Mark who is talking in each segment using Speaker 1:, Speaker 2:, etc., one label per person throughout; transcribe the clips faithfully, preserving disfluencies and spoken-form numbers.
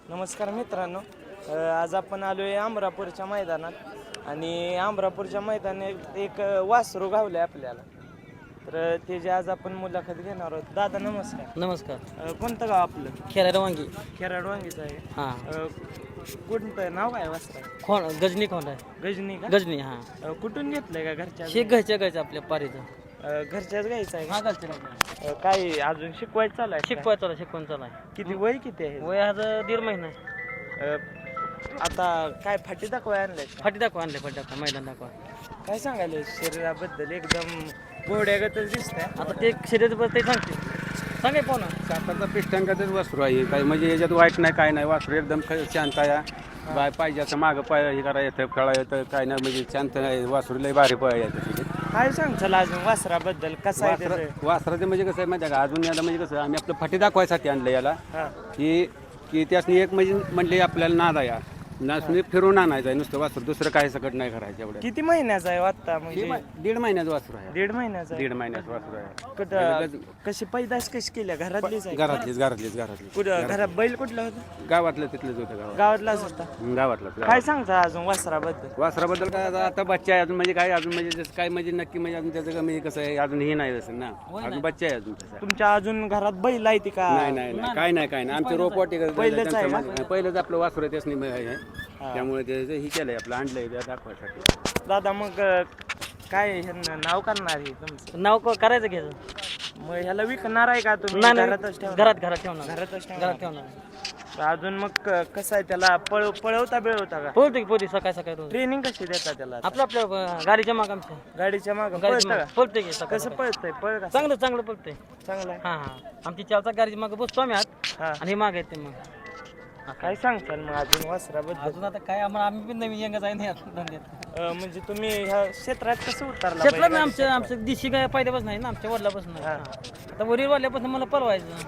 Speaker 1: नमस्कार मित्रांनो. अ, आज आपण आलो आहे अमरापूरच्या मैदानात आणि अमरापूरच्या मैदानात एक अ, वासरू गावलं आहे आपल्याला. तर त्याची आज आपण मुलाखत घेणार आहोत. दादा नमस्कार.
Speaker 2: नमस्कार.
Speaker 1: अ, कोणतं गाव आपलं?
Speaker 2: खेराड वांगी.
Speaker 1: खेराड वांगीचं आहे.
Speaker 2: हां.
Speaker 1: अ, कोणतं नाव काय वासरा?
Speaker 2: खोंड गजनी खोंड आहे.
Speaker 1: गजनी का?
Speaker 2: गजनी हां.
Speaker 1: अ, कुठून घेतलंय का घरच्या?
Speaker 2: शेक घ्यायच्या घ्यायचं आपल्या पारीचं.
Speaker 1: अ, घरच्याच घ्यायचं आहे
Speaker 2: हा
Speaker 1: का?
Speaker 2: घालचे
Speaker 1: अ, काय अजून शिकवायचं चालू आहे का?
Speaker 2: शिकवाय चालू शिकवून चालू आहे.
Speaker 1: किती वय किती आहे?
Speaker 2: वय आज दीड महिना आहे.
Speaker 1: अ, आता काय फाटी दाखवाय आणलंय का?
Speaker 2: फाटी दाखवा आणले फाटी दाखवा मैदान दाखवा.
Speaker 1: काय सांगायला शरीराबद्दल एकदम घोड्यागतच दिसतंय.
Speaker 2: आता ते शरीर ते सांगते सांगे पाहू ना.
Speaker 3: सातारचा पिष्टांकातच वासरू आहे काय म्हणजे याच्यात वाईट नाही काय नाही वासरू एकदम ख- शांत आहे बाय पाहिजे असं मागं पाय हे करा येतं कळा येतं काय नाही म्हणजे शांत आहे वासरू लय भारी पाय येतं
Speaker 1: काय सांगचाल अजून वासराबद्दल कसं आहे
Speaker 3: वासरा
Speaker 1: त्याचं?
Speaker 3: वासराचं म्हणजे कसं आहे माहिती आहे का अजून याला म्हणजे कसं आम्ही आपलं फाटी दाखवायसाठी आणलं याला
Speaker 1: हा.
Speaker 3: की की त्यासनी एक म्हणजे म्हणले आपल्याला नाद आहे नाचणी फिरून आणायचं आहे नुसतं वासरू दुसरं काही सकट नाही करायचं एवढं
Speaker 1: किती महिन्याचा आहे आता
Speaker 3: हे
Speaker 1: म्हणजे?
Speaker 3: मा- दीड महिन्याचं वासरू आहे
Speaker 1: दीड महिन्याचा आहे.
Speaker 3: दीड महिन्याचं वासरू आहे
Speaker 1: कुठं कशी पैदास कशी केल्या घरातलीच आहे?
Speaker 3: घरातलीच घरातलीच घरातलीच
Speaker 1: कुठं घरात बैल कुठलं होतं?
Speaker 3: गावातलं तिथलंच होतं गावात
Speaker 1: गावातलाच होता.
Speaker 3: गावातलं
Speaker 1: काय सांगता अजून वासराबद्दल?
Speaker 3: वासराबद्दल काय आता आता बच्चा आहे अजून म्हणजे काय अजून म्हणजे जसं काय म्हणजे नक्की म्हणजे अजून त्याचं काय म्हणजे कसं आहे अजून हे नाही असं ना अजून बच्चा आहे अजून तसं
Speaker 1: तुमच्या अजून घरात बैल आहे ती का?
Speaker 3: नाही नाही नाही काय नाही काय नाही आमचे रोपवाटी
Speaker 1: पहिलंच आहे का?
Speaker 3: पहिलंच आपलं वासरू आहे त्यासनी आहे त्यामुळे त्याचं हे केलंय आपलं आणलंय त्या दाखवायसाठी
Speaker 1: दादा मग अं, काय ह्यांना नाव करणार आहे तुमचं?
Speaker 2: नाव क- करायचं घ्यायचं.
Speaker 1: मग ह्याला विकणार आहे का तुम्ही?
Speaker 2: नाही नाही,
Speaker 1: घरातच ठेवणार?
Speaker 2: घरात घरात ठेवणार.
Speaker 1: घरातच ठेवणार.
Speaker 2: घरात ठेवणार.
Speaker 1: अजून मग क- कसं आहे त्याला पळ पळवता बिळवता का?
Speaker 2: पोहते की पोहते सकाळी सकाळी रोज.
Speaker 1: ट्रेनिंग कशी देता त्याला?
Speaker 2: आपलं आपल्या अं, गाडीच्या माग आमच्या
Speaker 1: गाडीच्या मागं
Speaker 2: गाडीच्या
Speaker 1: पळतं
Speaker 2: माग
Speaker 1: का?
Speaker 2: पळते की सकाळी
Speaker 1: कसं
Speaker 2: सकाळी.
Speaker 1: पळतंय? पळ का?
Speaker 2: चांगलं चांगलं पळते.
Speaker 1: चांगलं आहे.
Speaker 2: हां हां आमची चारचा गाडीच्या मागे बसतो आम्ही आत
Speaker 1: हा.
Speaker 2: आणि हे माग येते मग.
Speaker 1: काय सांगताल मग अजून वासराबद्दल?
Speaker 2: अजून आता काय आम्हाला आम्ही पण नवीन यंगच आहे नाही धंद्यात.
Speaker 1: अं, म्हणजे तुम्ही ह्या क्षेत्रात कसं उतरला?
Speaker 2: शेतला
Speaker 1: बैलगाडी
Speaker 2: ना आमच्या
Speaker 1: क्षेत्रात?
Speaker 2: आमच्या दिशी काय पहिल्यापासून नाही ना आमच्या वडिलापासून नाही.
Speaker 1: हा.
Speaker 2: आता वरील वाल्यापासून मला पळवायचं.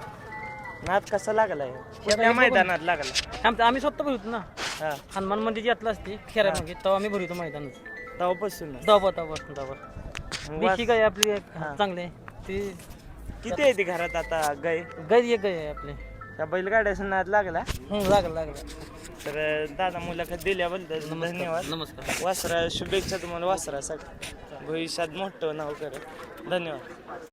Speaker 1: नाद कसा लागलाय? कोणत्या मैदानात लागला?
Speaker 2: आमचं आम्ही स्वतः भरतो ना
Speaker 1: हा.
Speaker 2: हनुमान मंदिर यातला असते खेळा मग तेव्हा आम्ही भरतो मैदानात.
Speaker 1: तेव्हापासून
Speaker 2: दबा दबा दबा
Speaker 1: मग
Speaker 2: दिशी गाय आपली एक
Speaker 1: हा.
Speaker 2: चांगले ती
Speaker 1: किती आहे ती घरात आता गाय?
Speaker 2: गाय एक गाय आहे आपली.
Speaker 1: त्या बैलगाड्याचा नाद लागला?
Speaker 2: हं, लागलं लागलं.
Speaker 1: तर अं, दादा मुलाखत दिल्याबद्दल धन्यवाद.
Speaker 2: नमस्कार.
Speaker 1: वासरा शुभेच्छा तुम्हाला वासरासाठी भविष्यात मोठं नाव करेल. धन्यवाद.